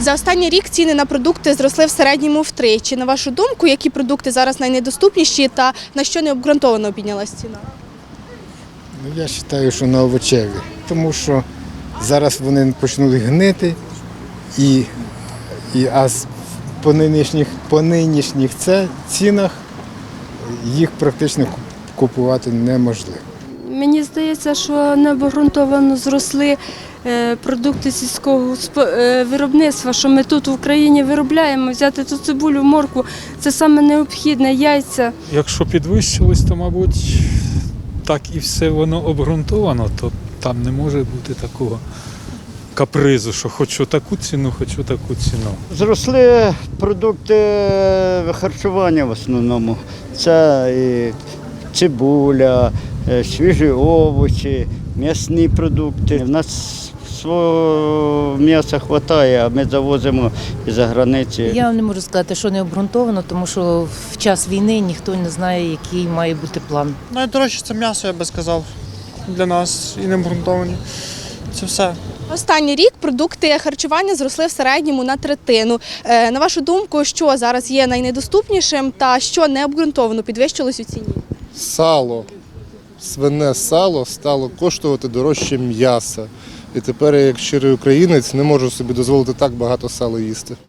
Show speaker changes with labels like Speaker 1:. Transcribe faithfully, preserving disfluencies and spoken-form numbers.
Speaker 1: За останній рік ціни на продукти зросли в середньому втричі. На вашу думку, які продукти зараз найнедоступніші та на що необґрунтовано піднялась ціна?
Speaker 2: Я вважаю, що на овочеві, тому що зараз вони почнуть гнити, і, і, а по нинішніх, по нинішніх це, цінах їх практично купувати неможливо.
Speaker 3: Мені здається, що необґрунтовано зросли продукти сільського виробництва, що ми тут в Україні виробляємо, взяти ту цибулю, моркву, це саме необхідне, яйця.
Speaker 4: Якщо підвищилось, то, мабуть, так і все воно обґрунтовано, то там не може бути такого капризу, що хочу таку ціну, хочу таку ціну.
Speaker 5: Зросли продукти харчування в основному. Це і цибуля, свіжі овочі, м'ясні продукти. У нас свого м'яса вистачає, а ми завозимо із-за границі.
Speaker 6: Я не можу сказати, що не обґрунтовано, тому що в час війни ніхто не знає, який має бути план.
Speaker 7: Найдорожче це м'ясо, я би сказав, для нас і не обґрунтовані. Це все.
Speaker 1: Останній рік продукти харчування зросли в середньому на третину. На вашу думку, що зараз є найнедоступнішим та що необґрунтовано підвищилось у ціні?
Speaker 8: Сало, свине сало стало коштувати дорожче м'яса. І тепер я, як щирий українець, не можу собі дозволити так багато сала їсти.